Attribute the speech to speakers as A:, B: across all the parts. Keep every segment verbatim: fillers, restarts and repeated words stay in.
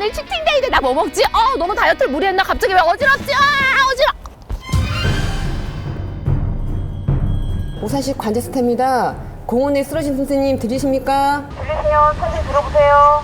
A: 오늘 치팅데이인데 나 뭐 먹지? 어 너무 다이어트를 무리했나? 갑자기 왜 어지럽지? 아 어지러.
B: 오산시 관제스타입니다. 공원에 쓰러진 선생님 들리십니까?
C: 들리세요? 천천히 들어보세요.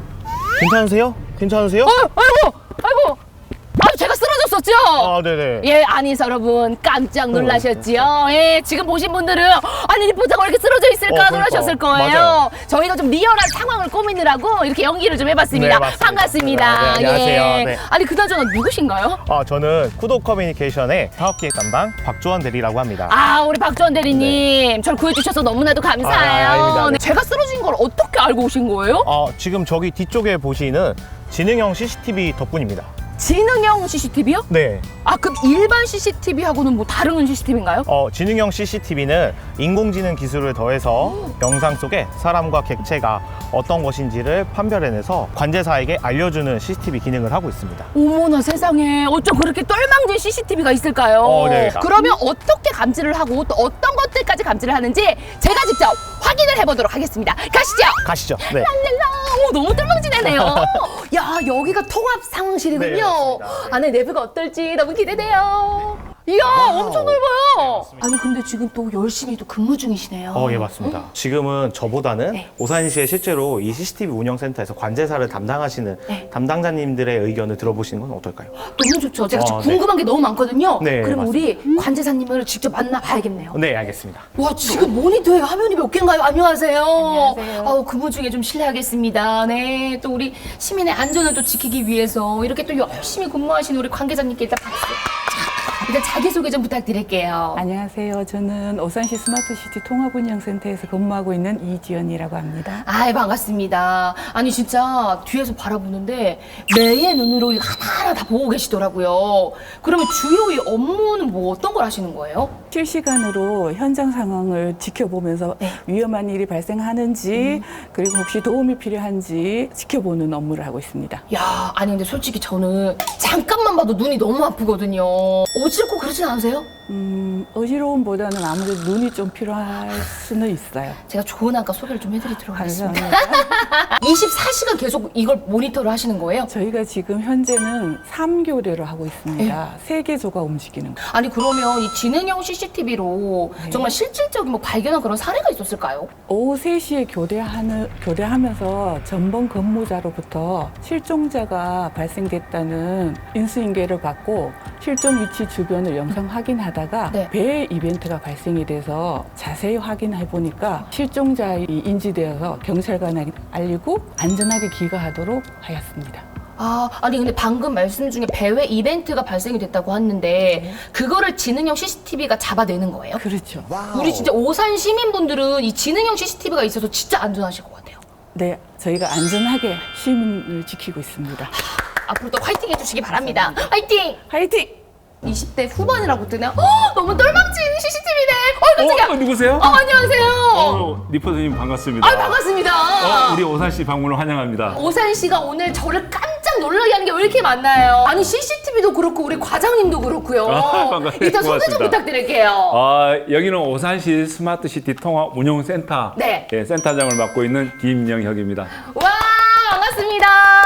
D: 괜찮으세요? 괜찮으세요?
A: 어, 아이고 아이고. 아 제가 쓰러졌었죠?
D: 아, 네네.
A: 예, 아니 여러분 깜짝 놀라셨지요? 예, 지금 보신 분들은 아니 리포터가 왜 이렇게 쓰러져 있을까
D: 어, 그러니까.
A: 놀라셨을 거예요.
D: 맞아요.
A: 저희가 좀 리얼한 상황을 꾸미느라고 이렇게 연기를 좀 해봤습니다.
D: 네, 맞습니다.
A: 반갑습니다.
D: 네, 안녕하세요.
A: 예.
D: 네.
A: 아니 그나저나 누구신가요?
D: 아, 저는 쿠도 커뮤니케이션의 사업기획 담당 박주원 대리라고 합니다.
A: 아, 우리 박주원 대리님, 저를 구해주셔서 너무나도 감사해요.
D: 아, 아닙니다. 네.
A: 제가 쓰러진 걸 어떻게 알고 오신 거예요?
D: 어, 지금 저기 뒤쪽에 보시는 지능형 씨씨티비 덕분입니다.
A: 지능형 씨씨티비요?
D: 네.
A: 아, 그럼 일반 씨씨티비하고는 뭐 다른 씨씨티비인가요?
D: 어, 지능형 씨씨티비는 인공지능 기술을 더해서 영상 속에 사람과 객체가 어떤 것인지를 판별해내서 관제사에게 알려주는 씨씨티비 기능을 하고 있습니다.
A: 어머나 세상에, 어쩜 그렇게 똘망진 씨씨티비가 있을까요?
D: 어, 네.
A: 그러면 어떻게 감지를 하고 또 어떤 것들까지 감지를 하는지 제가 직접 확인을 해보도록 하겠습니다. 가시죠.
D: 가시죠. 네.
A: 랄랄라. 오, 너무 똘망지네요. 야, 여기가 통합 상황실이군요.
D: 네, 맞습니다.
A: 안에 내부가 어떨지 너무 기대돼요. 이야, 엄청 넓어요. 아니 근데 지금 또 열심히 또 근무 중이시네요.
D: 어, 예, 맞습니다. 지금은 저보다는
A: 네.
D: 오산시에 실제로 이 씨씨티비 운영센터에서 관제사를 담당하시는
A: 네.
D: 담당자님들의 의견을 들어보시는 건 어떨까요?
A: 너무 좋죠. 제가 지금
D: 어,
A: 궁금한 게 너무 많거든요.
D: 네,
A: 그럼
D: 맞습니다.
A: 우리 관제사님을 직접 만나봐야겠네요.
D: 네, 알겠습니다.
A: 와, 지금 모니터에 화면이 몇 개인가요? 안녕하세요.
C: 안녕하세요.
A: 아우, 근무 중에 좀 실례하겠습니다. 네, 또 우리 시민의 안전을 또 지키기 위해서 이렇게 또 열심히 근무하시는 우리 관계자님께 일단 박수. 자, 일단 자기소개 좀 부탁드릴게요.
E: 안녕하세요. 저는 오산시 스마트시티 통합운영센터에서 근무하고 있는 이지연이라고 합니다.
A: 아이, 반갑습니다. 아니, 진짜 뒤에서 바라보는데 매의 눈으로 하나하나 다 보고 계시더라고요. 그러면 주요 이 업무는 뭐 어떤 걸 하시는 거예요?
E: 실시간으로 현장 상황을 지켜보면서
A: 네.
E: 위험한 일이 발생하는지 그리고 혹시 도움이 필요한지 지켜보는 업무를 하고 있습니다.
A: 야, 아니 근데 솔직히 저는 잠깐만 봐도 눈이 너무 아프거든요. 어지럽고 그러진 않으세요?
E: 음, 어지러움보다는 아무래도 눈이 좀 필요할 수는 있어요.
A: 제가 좋은 안과 소개를 좀 해드리도록 하겠습니다.
E: 감사합니다.
A: 이십사 시간 계속 이걸 모니터를 하시는 거예요?
E: 저희가 지금 현재는 삼 교대로 하고
A: 네.
E: 있습니다. 세 개조가 움직이는 거.
A: 아니 그러면 이 지능형 씨씨티비로
E: 네.
A: 정말 실질적인 뭐 발견한 그런 사례가 있었을까요?
E: 오후 세 시에 교대하는, 교대하면서 전번 근무자로부터 실종자가 발생됐다는 인수인계를 받고 실종 위치 주변을 영상 확인하다가
A: 네.
E: 배 이벤트가 발생이 돼서 자세히 확인해 보니까 실종자이 인지되어서 경찰관에게 알리고 안전하게 귀가하도록 하였습니다.
A: 아, 아니 근데 방금 말씀 중에 배회 이벤트가 발생이 됐다고 했는데
E: 네.
A: 그거를 지능형 씨씨티비가 잡아내는 거예요?
E: 그렇죠.
A: 우리 진짜 오산 시민분들은 이 지능형 씨씨티비가 있어서 진짜 안전하실 것 같아요.
E: 네, 저희가 안전하게 시민을 지키고 있습니다.
A: 앞으로 또 화이팅 해주시기 바랍니다. 화이팅!
E: 화이팅!
A: 이십 대 후반이라고 뜨네요. 어, 너무 똘망친 씨씨티비네. 어, 깜짝이야.
F: 어, 누구세요?
A: 어, 안녕하세요.
F: 어, 리포터님 반갑습니다.
A: 아, 반갑습니다.
F: 어, 우리 오산시 방문을 환영합니다.
A: 오산 씨가 오늘 저를 깜짝 놀라게 하는 게 왜 이렇게 많나요? 아니 씨씨티비도 그렇고 우리 과장님도 그렇고요.
F: 아, 반가워요.
A: 일단 소개 좀
F: 고맙습니다.
A: 부탁드릴게요.
F: 아, 여기는 오산시 스마트시티 통합 운용센터
A: 네.
F: 예, 센터장을 맡고 있는 김영혁입니다.
A: 와, 반갑습니다.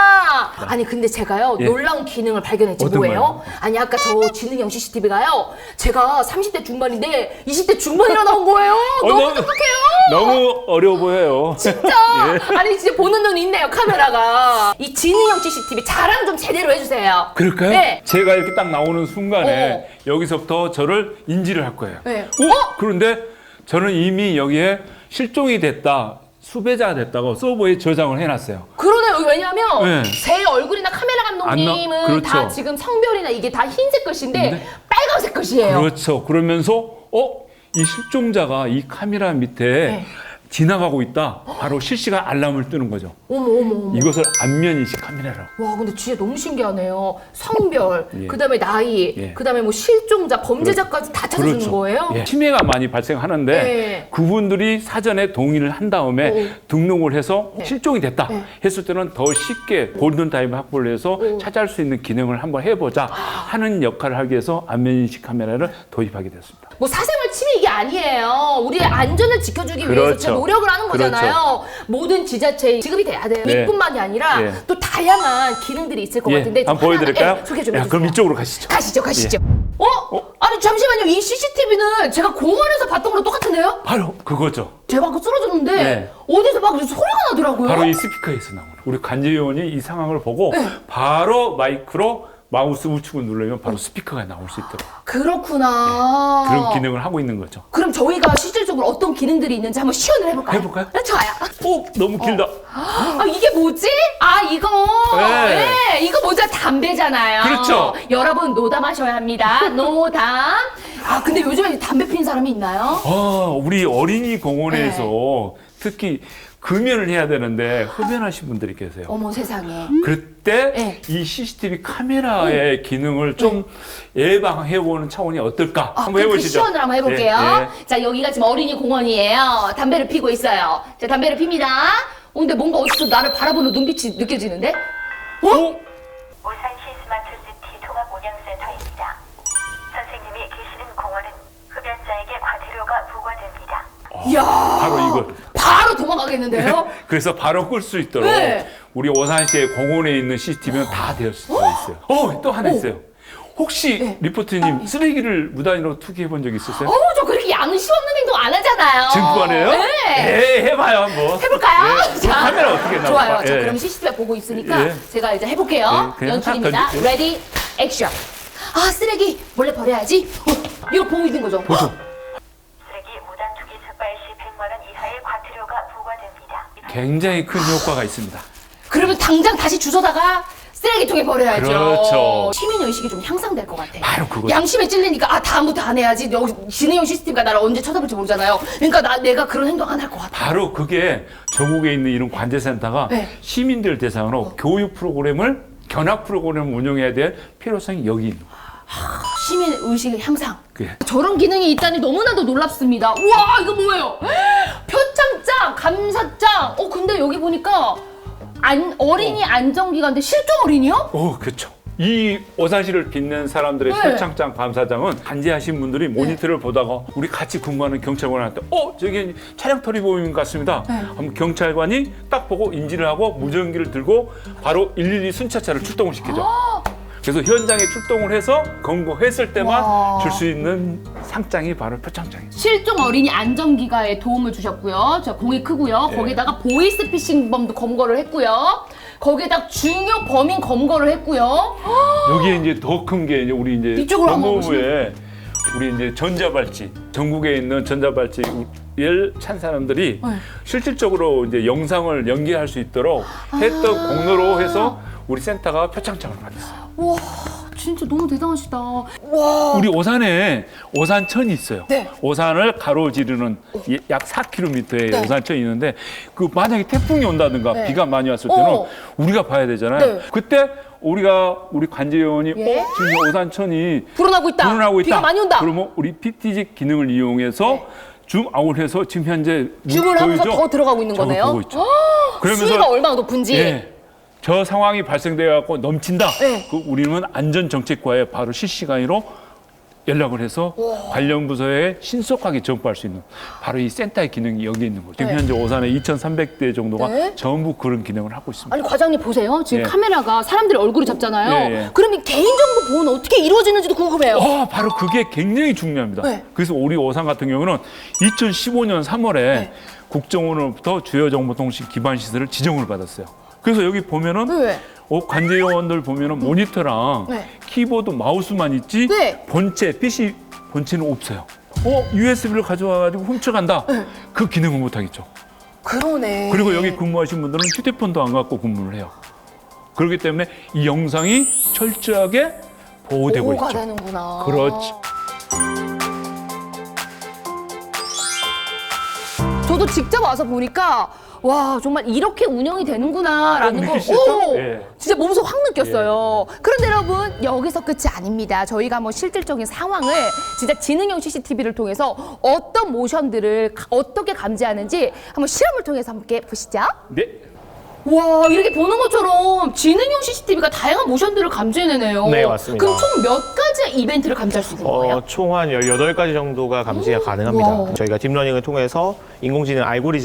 A: 아니 근데 제가요
F: 예.
A: 놀라운 기능을 발견했지.
F: 어떤
A: 뭐예요?
F: 거요?
A: 아니 아까 저 지능형 씨씨티비가요 제가 삼십 대 중반인데 이십 대 중반이라 나온 거예요.
F: 어,
A: 너무
F: 너무-
A: 똑똑해요.
F: 너무 어려워 보여요.
A: 진짜
F: 예.
A: 아니 진짜 보는 눈이 있네요 카메라가. 이 지능형 씨씨티비 자랑 좀 제대로 해주세요.
F: 그럴까요?
A: 네.
F: 제가 이렇게 딱 나오는 순간에
A: 어.
F: 여기서부터 저를 인지를 할 거예요.
A: 네.
F: 어? 그런데 저는 이미 여기에 실종이 됐다, 수배자가 됐다고 서버에 저장을 해놨어요.
A: 그러네요. 여기 왜냐하면
F: 네.
A: 제 얼굴이나 카메라 감독님은
F: 안 나- 그렇죠.
A: 다 지금 성별이나 이게 다 흰색 글씨인데
F: 근데-
A: 빨간색 글씨예요.
F: 그렇죠. 그러면서 어? 이 실종자가 이 카메라 밑에
A: 네.
F: 지나가고 있다. 바로 실시간 알람을 뜨는 거죠.
A: 어머 어머 어머.
F: 이것을 안면 인식 카메라라고.
A: 와 근데 진짜 너무 신기하네요. 성별,
F: 예.
A: 그다음에 나이,
F: 예.
A: 그다음에 뭐 실종자, 범죄자까지 다 찾아주는
F: 그렇죠.
A: 거예요?
F: 예. 침해가 많이 발생하는데
A: 예.
F: 그분들이 사전에 동의를 한 다음에
A: 오.
F: 등록을 해서
A: 네.
F: 실종이 됐다
A: 네.
F: 했을 때는 더 쉽게 골든타임 확보를 해서
A: 오.
F: 찾아올 수 있는 기능을 한번 해보자 하는 역할을 하기 위해서 안면 인식 카메라를 도입하게 됐습니다.
A: 뭐 사생활 침해 이게 아니에요. 우리의 안전을 지켜주기 위해서
F: 그렇죠.
A: 진짜 노력을 하는 거잖아요. 모든 지자체에 지급이 돼야 돼요.
F: 네.
A: 이뿐만이 아니라
F: 예.
A: 또 다 다양한 기능들이 있을 것
F: 예,
A: 같은데 좀
F: 한번 보여드릴까요?
A: 하나하나, 예, 소개 좀
F: 야,
A: 해주세요.
F: 그럼 이쪽으로 가시죠.
A: 가시죠, 가시죠. 어? 아니 잠시만요. 이 씨씨티비는 제가 공원에서 봤던 거랑 똑같은데요?
F: 바로 그거죠.
A: 제가 아까 쓰러졌는데
F: 네.
A: 어디서 막 소리가 나더라고요.
F: 바로 이 스피커에서 나오는. 우리 관제위원이 이 상황을 보고 바로 마이크로 마우스 우측을 누르면 바로 스피커가 나올 수 있도록
A: 그렇구나.
F: 그런 기능을 하고 있는 거죠.
A: 그럼 저희가 실질적으로 어떤 기능들이 있는지 한번 시연을 해볼까요?
F: 해볼까요?
A: 네, 좋아요.
F: 오, 너무 길다.
A: 아, 이게 뭐지? 아, 이거.
F: 네.
A: 네. 이거 뭐죠? 담배잖아요.
F: 그렇죠.
A: 여러분, 노담하셔야 합니다. 노담. 아, 근데 요즘에 담배 피는 사람이 있나요?
F: 아, 우리 어린이 공원에서 특히 금연을 해야 되는데 흡연하신 분들이 계세요.
A: 어머 세상에.
F: 그때
A: 네.
F: 이 씨씨티비 카메라의 기능을 좀 예방해보는 차원이 어떨까?
A: 아,
F: 한번
A: 그럼 그
F: 해보시죠.
A: 시연을 한번 해볼게요.
F: 예, 예.
A: 자, 여기가 지금 어린이 공원이에요. 담배를 피고 있어요. 자, 담배를 핍니다. 어, 근데 뭔가 어디서 나를 바라보는 눈빛이 느껴지는데? 어?
C: 울산시 스마트시티 통합운영센터입니다. 선생님이 계시는 공원은 흡연자에게 과태료가 부과됩니다.
A: 이야.
F: 바로 이거.
A: 바로 도망가겠는데요?
F: 그래서 바로 끌 수 있도록
A: 네.
F: 우리 오산시의 공원에 있는 씨씨티비는 다 되어 있어요. 어, 또 하나 있어요. 혹시
A: 네.
F: 리포트님 쓰레기를 무단으로 투기해 본 적 있으세요?
A: 어우, 저 그렇게 양심 없는 행동 안 하잖아요.
F: 증권해요?
A: 네.
F: 예, 해봐요 한번.
A: 해볼까요?
F: 예. 그럼 카메라 어떻게 나올까?
A: 좋아요. 자,
F: 예.
A: 그럼 씨씨티비가 보고 있으니까
F: 예.
A: 제가 이제 해볼게요.
F: 예, 그냥
A: 연출입니다.
F: 탁 던지-
A: 레디, 액션. 아, 쓰레기 몰래 버려야지. 어, 이거 보고 있는 거죠?
F: 보죠.
C: 쓰레기 무단 투기 적발 시 백만 원 이하의 과태료가 부과됩니다.
F: 굉장히 큰 효과가 있습니다.
A: 그러면 당장 다시 주워다가 쓰레기통에 버려야죠.
F: 그렇죠.
A: 시민의식이 좀 향상될 것 같아.
F: 바로 그거죠.
A: 양심에 찔리니까 아 다음부터 안 해야지. 여기 지능형 씨씨티비가 나를 언제 쳐다볼지 모르잖아요. 그러니까 나 내가 그런 행동 안 할 것 같아.
F: 바로 그게 전국에 있는 이런 관제센터가
A: 네.
F: 시민들 대상으로 교육 프로그램을 견학 프로그램을 운영해야 될 필요성이 여기 있는 거예요.
A: 시민의식의 향상.
F: 그게.
A: 저런 기능이 있다니 너무나도 놀랍습니다. 우와 이거 뭐예요? 표창장, 감사장. 어 근데 여기 보니까 안, 어린이 안정기간인데 실종 어린이요?
F: 오, 그렇죠. 이 오산시를 빛낸 사람들의
A: 네.
F: 표창장 감사장은 관제하신 분들이 모니터를 보다가 우리 같이 근무하는 경찰관한테 어 저기 차량털이 보이는 것 같습니다.
A: 네.
F: 하면 경찰관이 딱 보고 인지를 하고 무전기를 들고 바로 일일이 순찰차를 출동을 시키죠. 그래서 현장에 출동을 해서 검거했을 때만
A: 와.
F: 줄 수 있는 상장이 바로 표창장이에요.
A: 실종 어린이 안정기가에 도움을 주셨고요. 저 공이 크고요.
F: 네.
A: 거기다가 보이스피싱범도 검거를 했고요. 거기에다 중요 범인 검거를 했고요.
F: 여기에 이제 더 큰 게 이제 우리 이제
A: 이쪽으로 한번
F: 법무부에 우리 이제 전자발찌 전국에 있는 전자발찌를 찬 사람들이
A: 네.
F: 실질적으로 이제 영상을 연기할 수 있도록 했던 공로로 해서 우리 센터가 표창장을 받았어요.
A: 와 진짜 너무 대단하시다.
F: 우리 오산에 오산천이 있어요.
A: 네.
F: 오산을 가로지르는 이- 약 사 킬로미터의
A: 네.
F: 오산천이 있는데 그 만약에 태풍이 온다든가
A: 네.
F: 비가 많이 왔을 때는
A: 어.
F: 우리가 봐야 되잖아요.
A: 네.
F: 그때 우리가 우리 관제위원이
A: 예?
F: 어, 지금 오산천이
A: 불어나고 있다.
F: 불어나고 있다.
A: 비가 많이 온다.
F: 그러면 우리 피티지 기능을 이용해서
A: 네.
F: 줌아웃 해서 지금 현재
A: 줌을 하면서 더 들어가고 있는
F: 저거
A: 거네요.
F: 보고 있죠.
A: 수위가 얼마나 높은지.
F: 예. 저 상황이 발생돼 갖고 넘친다.
A: 네.
F: 그 우리는 안전정책과에 바로 실시간으로 연락을 해서 관련 부서에 신속하게 전파할 수 있는 바로 이 센터의 기능이 여기 있는 거죠. 지금
A: 네.
F: 현재 오산에 이천삼백 대 정도가
A: 네.
F: 전부 그런 기능을 하고 있습니다.
A: 아니 과장님 보세요. 지금
F: 예.
A: 카메라가 사람들의 얼굴을 잡잖아요.
F: 예, 예.
A: 그럼 이 개인정보 보호는 어떻게 이루어지는지도 궁금해요.
F: 어, 바로 그게 굉장히 중요합니다.
A: 네.
F: 그래서 우리 오산 같은 경우는 이천십오 년 삼월에
A: 네.
F: 국정원으로부터 주요정보통신 기반 시설을 지정을 받았어요. 그래서 여기 보면은
A: 네.
F: 어, 관제요원들 보면은 모니터랑
A: 네.
F: 키보드, 마우스만 있지
A: 네.
F: 본체, 피씨 본체는 없어요. 어, 유에스비를 가져와가지고 훔쳐간다.
A: 네.
F: 그 기능은 못하겠죠.
A: 그러네.
F: 그리고 여기 근무하신 분들은 휴대폰도 안 갖고 근무를 해요. 그렇기 때문에 이 영상이 철저하게 보호되고
A: 보호가
F: 있죠.
A: 되는구나.
F: 그렇지.
A: 저도 직접 와서 보니까 와 정말 이렇게 운영이 되는구나라는
F: 어,
A: 거
F: 느끼시죠?
A: 오,
F: 예.
A: 진짜 몸소 확 느꼈어요. 그런데 여러분 여기서 끝이 아닙니다. 저희가 뭐 실질적인 상황을 진짜 지능형 씨씨티비를 통해서 어떤 모션들을 가- 어떻게 감지하는지 한번 실험을 통해서 함께 보시죠.
F: 네.
A: 와 이렇게 보는 것처럼 지능형 씨씨티비가 다양한 모션들을 감지해내네요.
D: 네, 맞습니다.
A: 그럼 총 몇 가지 이벤트를 감지할 수 있는 거예요?
D: 어, 총 한 열여덟 가지 정도가 감지가 가능합니다.
A: 와.
D: 저희가 딥러닝을 통해서 인공지능 알고리즘을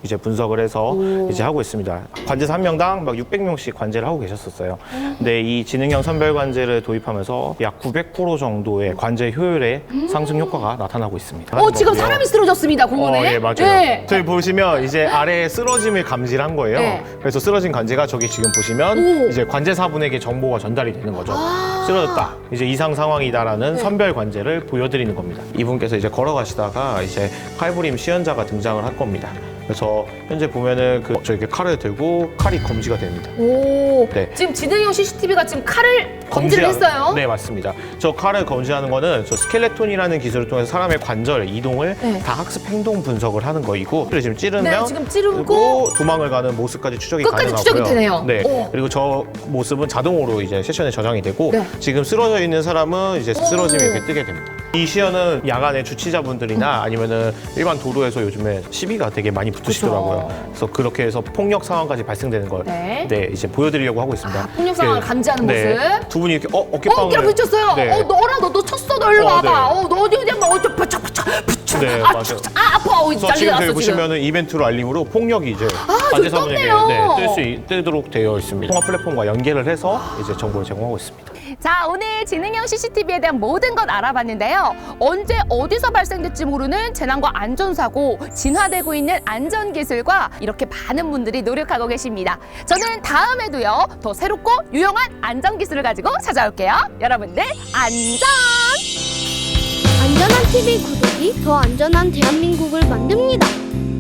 D: 이제 분석을 해서 이제 하고 있습니다. 관제사 한 명당 막 육백 명씩 관제를 하고 계셨었어요. 근데 이 지능형 선별 관제를 도입하면서 약 구백 퍼센트 정도의 관제 효율의 상승 효과가 나타나고 있습니다.
A: 어, 지금
D: 거고요.
A: 사람이 쓰러졌습니다, 공원에.
D: 어, 예, 맞아요.
A: 네.
D: 저희 보시면 이제 아래에 쓰러짐을 감지를 한 거예요.
A: 네.
D: 그래서 쓰러진 관제가 저기 지금 보시면
A: 오.
D: 이제 관제사분에게 정보가 전달이 되는 거죠.
A: 아.
D: 쓰러졌다. 이제 이상 상황이다라는
A: 네.
D: 선별 관제를 보여드리는 겁니다. 이분께서 이제 걸어가시다가 이제 칼부림 시연자가 등장을 할 겁니다. 그래서 현재 보면은 그 저렇게 칼을 들고 칼이 검지가 됩니다.
A: 오,
D: 네.
A: 지금 지능형 씨씨티비가 지금 칼을 검지를
D: 검지하-
A: 했어요.
D: 네, 맞습니다. 저 칼을 검지하는 거는 저 스켈레톤이라는 기술을 통해서 사람의 관절 이동을
A: 네.
D: 다 학습 행동 분석을 하는 거이고, 그리고 지금 찌르면
A: 네, 지금 찌르고
D: 그리고 도망을 가는 모습까지 추적이
A: 끝까지
D: 가능하고요.
A: 추적이 되네요.
D: 네.
A: 오.
D: 그리고 저 모습은 자동으로 이제 세션에 저장이 되고,
A: 네.
D: 지금 쓰러져 있는 사람은 이제 쓰러짐이
A: 오.
D: 이렇게 뜨게 됩니다. 이 시연은 야간에 주치자분들이나 아니면은 일반 도로에서 요즘에 시비가 되게 많이 붙으시더라고요.
A: 그쵸.
D: 그래서 그렇게 해서 폭력 상황까지 발생되는 걸
A: 네.
D: 네, 이제 보여드리려고 하고 있습니다.
A: 아, 폭력 상황을
D: 네.
A: 감지하는
D: 네.
A: 모습.
D: 두 분이 이렇게 어
A: 어,
D: 어깨빵을
A: 어깨를 붙였어요.
D: 네.
A: 어, 너라, 너, 너 쳤어, 너 일로
D: 어,
A: 와봐.
D: 네.
A: 어, 너 어디 어디 한번 어디 붙여, 붙여, 붙여.
D: 네,
A: 아,
D: 맞아요.
A: 쳐, 쳐. 아, 아파. 어,
D: 그래서
A: 난리
D: 지금
A: 났어,
D: 저희
A: 지금.
D: 보시면은 이벤트로 알림으로 폭력이 이제
A: 아,
D: 관제사분에게
A: 떴네요.
D: 네, 뜰 수 있- 뜨도록 되어 있습니다. 통합 플랫폼과 연계를 해서 이제 정보를 제공하고 있습니다.
A: 자, 오늘 지능형 씨씨티비에 대한 모든 것 알아봤는데요. 언제 어디서 발생될지 모르는 재난과 안전사고, 진화되고 있는 안전기술과 이렇게 많은 분들이 노력하고 계십니다. 저는 다음에도요, 더 새롭고 유용한 안전기술을 가지고 찾아올게요. 여러분들, 안전!
G: 안전한 티비 구독이 더 안전한 대한민국을 만듭니다.